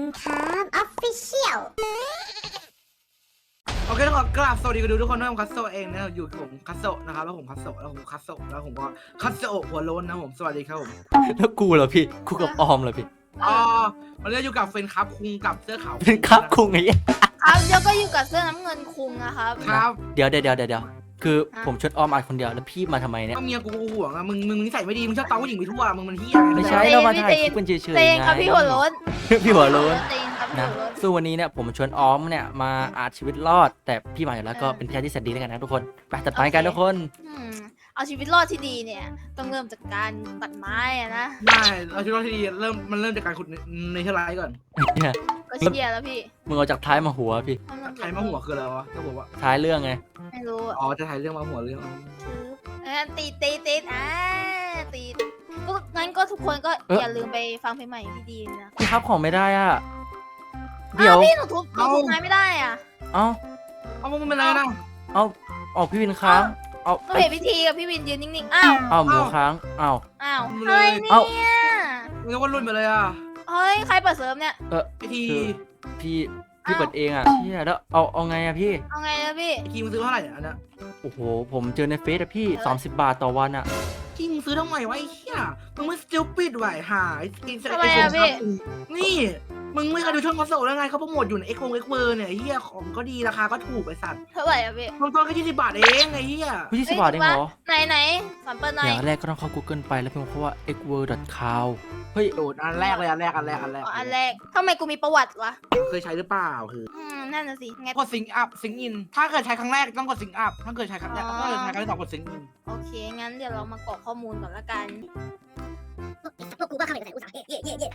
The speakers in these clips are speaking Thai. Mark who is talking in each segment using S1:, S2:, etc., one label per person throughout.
S1: ครับออฟฟิเชียล
S2: โอเคขอกราบสวัสดีกันทุกคนนะผมคัสโซเองนะอยู่กับผมคัสโซนะครับแล้วผมคัสโซแล้วผมคัสโซแล้วผมก็คัสโซหัวโล้นนะผมสวัสดีครับผม
S3: แล้วกูเหรอพี่กูกับออมเหรอพี่
S2: อ๋อวันนี้อยู่กับเฟนครับคุงกับเสื้อขาว
S3: เป็นครับคุงไง
S4: ครับเดี๋ยวก็อยู่กับเสื้อน้ำเงินคุงนะครับ
S2: ครับ
S3: เดี๋ยวคือผมชวนออมอัดคนเดียวแล้วพี่มาทำไมเนี่ย
S2: ก็เมียกูห่วงอะมึงนิสัยไม่ดีมึงชอบเตาผู้หญิงไปทั่วมึงมันเฮี้ย
S3: ไม่ใช่เรามาถ่ายคลิปกันเฉยๆ
S4: เต
S3: ไง
S4: งครับพี่หัวโล้น
S3: พี่หัวโล้น
S4: เตงครับพี่
S3: นะ
S4: หัวโล้น
S3: ซึ่งวันนี้เนี่ยผมชวนออมเนี่ยมาอาชีวิตรอด แต่พี่มาอยู่แล้วก็เป็นพี่ชายที่แสนดีแล้วกันนะทุกคนไปจัดไปกันทุกคน
S4: เอาชีวิตรอดที่ดีเนี่ยต้องเริ่มจากการตัดไม้อะนะ
S2: ได้เอาชีวิตที่ดีเริ่มจากการขุดในเทอร์ไลท์ก่อน
S3: เนี่ย
S4: ก็เชียร์แล้วพี่
S3: มึงเอาจากท้ายมาหัวพี่
S2: ใครมาหัวคืออะไรวะก็บอกว่า
S3: ท้ายเรื่องไง
S4: ไม่รู้อะ
S2: อ๋อจะถ่ายเรื่องมาหัวเรื่อง
S4: ตีก็งั้นก็ทุกคนก็อย่าลืมไปฟังเพลงใหม่พี่ดีนะ
S3: พี่ครับของไม่ได้อ่ะเดี๋ยว
S4: พี่หนูทุบไม้ไม่ได้อ่ะ
S3: เอ้า
S2: เอามึงเป็นอะไรนะ
S3: เอาพี่วินค้างเอา
S4: ก็เห็นพิธีกับพี่วินยืนนิ่งๆอ้าว
S3: เอาหมูค้างเอา
S4: อะไรเนี่ย
S2: มึงก็รุ่นไปเลยอ่ะ
S4: เฮ้ยใครเปิดเสริมเนี่ย
S2: ไอที
S3: พี่เปิดเองอ่ะเชี่ยแล้วเอาไงอ่ะพี่
S4: เอาไงนะพี่
S2: ไอทีมึงซื้อเท่าไหร่อันนี้
S3: โอ้โหผมเจอในเฟซอะพี่30 บาทต่อวันอะ
S2: ที่มึงซื้อทำไมวะไอ้เหี้ยมึงไม่สติลปิดไหวหาไอ้กิน
S4: ทำไมอะพี่
S2: นี่มึงไม่เคยดูช่องคอนโซลแล้วไงเขาโปรโมทอยู่ในเอ็กเวอร์เนี่ยไอ้เหี้ยของก็ดีราคาก็ถูกไอ้สัตว์
S4: เท่าไหร่อะพี่
S2: ลงต้นแค่20 บาทเองไอ้เหี้ย
S3: พี่20 บาทเองเหรอ
S4: ไหนสอนเปิดหน่อ
S3: อย ย่างแรกก็ต้องเข้า Google ไปแล้วพิมพ์คำว่า xword.com เฮ้ย
S2: โดดอันแรกเลยอันแรก
S4: อันแรกทำไมกูมีประวัติวะ
S2: เคยใช้หรือเปล่าคือ
S4: นั่นน่ะสิไง
S2: กดซิงอัพซิงอินถ้าเกิดใช้ครั้งแรกต้องกดซิงอัพถ้าเกิดใช้ครั้งแรกถ้าเกิดใช้ครั้งที่สองกดซิงอิน
S4: โอเค งั้นเดี๋ยวเรามากรอกข้อมูลก่อนละกัน
S1: พวกกูก็เข้าไปในอุตสาหะเย่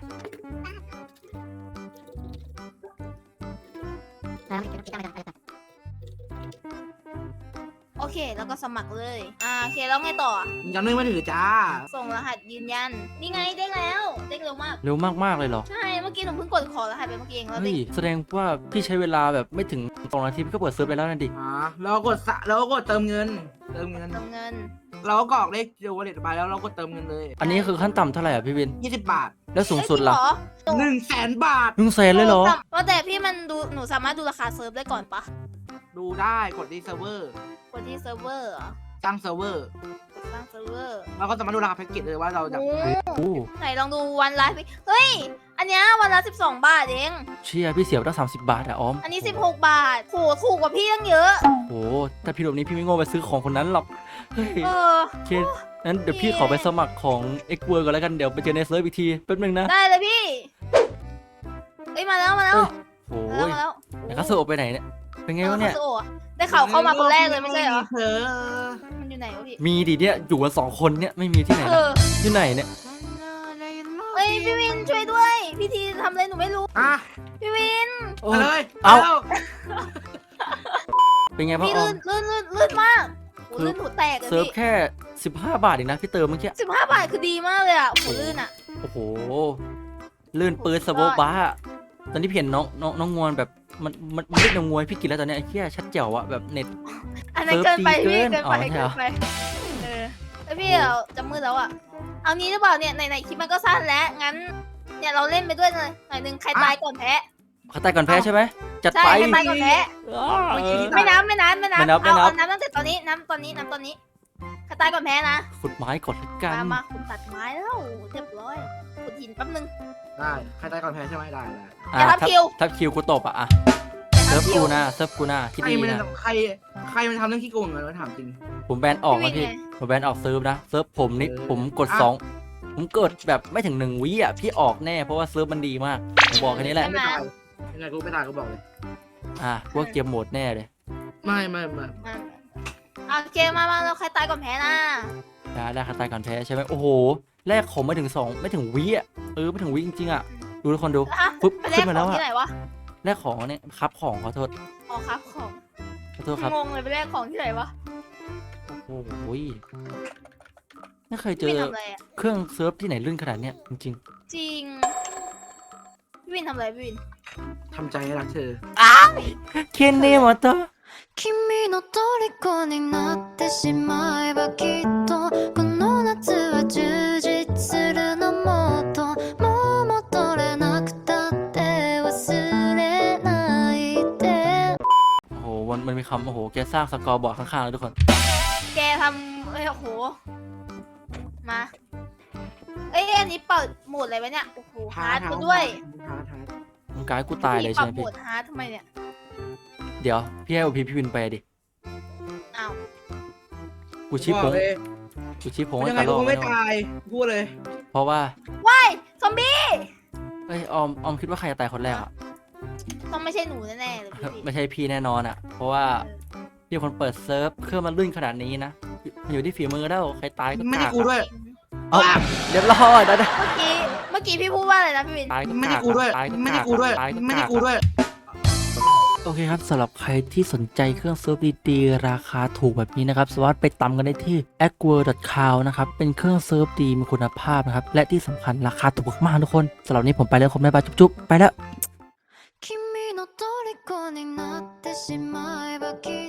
S4: โอเค แล้วก็สมัครเลย โอเค แล้วไงต่อ
S2: ยังไม่ถือจ้า
S4: ส่งรหัสยืนยัน นี่ไงเด้งแล้วเด้งเร็วมาก
S3: เร็วมากๆเลยเหรอ
S4: ใช่ เมื่อกี้หนูเพิ่งกดขอรหัสไปเมื่อกี้เองแล้ว
S3: เฮ้
S4: เด้
S3: ย
S4: ง
S3: แสดงว่าพี่ใช้เวลาแบบไม่ถึง2 นาทีพี่ก็เปิดเซิร์ฟไปแล้วนั่นดิ
S2: แล้วก็กดเติมเงิน
S4: เติมเงิน
S2: เราก็กรอกเลขเดียววันเด็ดไปแล้วเราก็เติมเงินเลย
S3: อันนี้คือขั้นต่ำเท่าไหร่อ่ะพี่วิน
S2: 20 บาท
S3: แล้วสูงสุดล่ะ
S2: 100,000 บาท
S3: 100,000เลยเหรอ
S4: ว่าแต่พี่มันดูหนูสามารถดูราคาเซิร์ฟได้ก่อนปะ
S2: ดูได้กดที่เซิร์ฟเวอร์
S4: กดที่เซิร์ฟเวอร์เหรอ
S2: ตั้งเซิร์ฟเวอร์
S4: กดสร้างเซิร์ฟเวอร์
S2: เราก็สามารถดูราคาแพ็กเกจเลยว่าเราจะ
S4: โอ้
S3: โอ้
S4: ไหนลองดูวันละสิเฮ้ย อันเนี้ยวันละ12 บาทเอง
S3: เชี่ยพี่เสียไปตั้ง30 บาทอะออม
S4: อันนี้16 บาทโหถูกกว่าพี่ตั้งเยอะ
S3: โอ้ถ้าพี่แบบนี้พี่ไม่โง่ไปซื้อของคนนั้นหรอกเฮ้ย
S4: เออ
S3: โอเคงั้นเดี๋ยวพี่ขอไปสมัครของ xword ก่อนแล้วกันเดี๋ยวไปเจอในเซิร์ฟอีกทีแป๊บนึงนะ
S4: ได้เลยพี่ เอ้ยมาแล้ว
S3: โอ้
S4: มาย แล้ว
S3: ไหนคาโซโอไปไหนเนี่ยเป็นไงวะเนี่ย
S4: คาโซะได้ข่าวเข้ามาคนแรกเลยไม่ใช่เหรอ
S2: เธอ
S4: มันอยู่ไหนวะพี่
S3: มีดิเนี่ยอยู่กัน2 คนเนี่ยไม่มีที่ไหน
S4: เอ
S3: นะ
S4: อ
S3: ที่ไหนเนี่ย
S4: เอ้ยพี่วินช่วยด้วย พี่ทีทำอะไรหนูไม่รู้
S2: อ่ะ
S4: พี่วิน
S3: โอ้
S2: มาเลย
S3: เอา
S2: แล้ว
S3: เป็นไงพ่อ
S4: พี่
S3: ออ
S4: ลื่
S3: ม
S4: นลื่นมากโห
S3: คือ
S4: ลื่นหูแตกเลย
S3: เซิร์ฟ
S4: พี่
S3: แค่15 บาทเองนะพี่เติมเมื่อกี้
S4: 15 บาทคือดีมากเลยอ่ะโหลื่นอ่ะ
S3: โอ้โหลื่นปืนสโบบ้าตอนนี้พี่เห็นน้องงวนแบบมันเล่นน้องงวยพี่กินแล้วตอนเนี้ยไอ้เหี้ยชัดแจ๋วอะแบบเน็ต
S4: อันนั้นเกินไป
S3: เซิ
S4: พี่
S3: ร์ฟดีเกิ
S4: เกิ
S3: น
S4: นไป
S3: อ๋อใช่
S4: เกิ
S3: เหรอ
S4: นไปเออแล้วพี่เราจะมืดแล้วอ่ะเอางี้หรือเปล่าเนี่ยไหนคลิปมันก็สั้นแล้วงั้นเนี่ยเราเล่นไปด้วยเลยหน่อยนึงใครตายก่อนแพ้
S3: เขาตายก่อนแพ้ใช่ไหมจัด
S4: ใช่
S3: ไป
S4: ใครตายก่อนแพ้ ไม่นับ
S3: ไม่นับ
S4: เอาน้ำตั้งแต่ตอนนี้น้ำตอนนี้ใครตายก่อนแพ้นะ
S3: ขุดไม้ก่อนละกัน
S4: มาคุณตัดไม้แล้วเรียบร้อยขุดหินแป๊บนึง
S2: ได้ใครตายก่อนแพ้ใช่ไหมได้
S4: อย่าทับคิว
S3: ทับคิวกูตบอะเซิร์ฟกูนะคิด
S2: ใคร
S3: ดี
S2: มัน
S3: นะ
S2: ใครมันทำเรื่องขี้โกงกันวะถามจริง
S3: ผมแบนออกนะพี่ผมแบนออกเซิร์ฟนะเซิร์ฟผมนี่ผมกด2ผมเกิดแบบไม่ถึง1 วิอ่ะพี่ออกแน่เพราะว่าเซิร์ฟมันดีมากผมบอกแค่นี้แหละ
S2: ไม่ตายยังไงกูไม่ตายกูบอกเลย
S3: พวกเกมโหมดแน่เลย
S2: ไม่
S4: โอเคมาเราใครตายก่อนแพ้นะ
S3: ได้คาตายก่อนแพ้ใช่ไหมโอ้โหแรกของไม่ถึงไม่ถึงวิอ่ะไม่ถึงวิจริงๆอ่ะดูทุกคนดู
S4: ฮะ
S3: ปุ๊บ
S4: ไปแล
S3: ขึ้
S4: ก
S3: นมา
S4: ข
S3: แล้
S4: อง
S3: วอะ
S4: ที่ไหนวะ
S3: แรกของเนี่ยครับของขอโทษ
S4: อ๋อครับของ
S3: ครับ
S4: งงเลยไปแลกของที่ไหนวะ
S3: โอ้โหไม่เคยเจ
S4: พี่
S3: อ
S4: ทำอะไรอ่ะ
S3: เครื่องเซิร์ฟที่ไหนลื่นขนาดเนี้ยจริง
S4: จริงพี่วินทำอะไรพี่วิน
S2: ทำใจให้รักเธอ
S3: ๆเคนเนมอเตอร์
S5: 君の虜になってしまえばきっとこの夏は充実するのもっともう戻れなくたって忘
S3: ำโอ้โหแกสร้างสกอร์บอร์ดข้างๆเลยทุกคน
S4: แกทำเอ้ยโอ้โหมาเอ้ยอันนี้เปิดโหมดอะไรวะเนี่ยโอ้โหฮาร์ดมาด้วย
S3: มึงกายกูตายเลยใช่ไหม
S4: ปรับโหม
S3: พี่
S4: ดฮาร์ดทำไมเนี่ย
S3: เดี๋ยวพี่ให้โอพีพี่วินไปดิ
S4: อ้าว
S3: กูชี้ผงกูชี้ผงให้
S2: ยังไง
S3: กระ
S2: กู
S3: รอก
S2: ก็ไม่
S3: แน่นอน
S2: ตายพูดเลย
S3: เพราะว่า
S4: ว้ายซอมบี้
S3: เอ้ยออมคิดว่าใครจะตายคนแรกอ่ะ
S4: ต้องไม่ใช่หนูแน่ๆเลยพี่
S3: ไม่ใช่พี่แน่นอนอ่ะ เพราะว่าพี่คนเปิดเซิร์ฟเครื่องมันลื่นขนาดนี้นะมันอยู่ที่ฝีมือแล้วใครตายก็
S2: ไม่
S3: กา
S2: ใช่
S3: ก
S2: กูด้วย
S3: เอาเรียบร้อยได้
S4: เมื่อกี้พี่พูดว่าอะไรนะพี่วิน
S3: ตายก็
S2: ไม่
S3: กา
S2: ใช่
S3: ก
S2: กูด้วย
S3: ตายก็
S2: ไม่
S3: กา
S2: ใช่
S3: ก
S2: กูด้วย
S3: ตายก็
S2: ไม่
S3: กา
S2: ใช่
S3: ก
S2: กูด้วย
S3: โอเคครับสำหรับใครที่สนใจเครื่องเซิร์ฟดีๆราคาถูกแบบนี้นะครับสามารถไปตามกันได้ที่ aqua.cow นะครับเป็นเครื่องเซิร์ฟดีมีคุณภาพนะครับและที่สำคัญราคาถูกมากๆทุกคนสำหรับวันนี้ผมไปแล้วผมบ๊ายบายจุ๊บๆไปแล้ว
S5: 君の虜になってしまえばきっ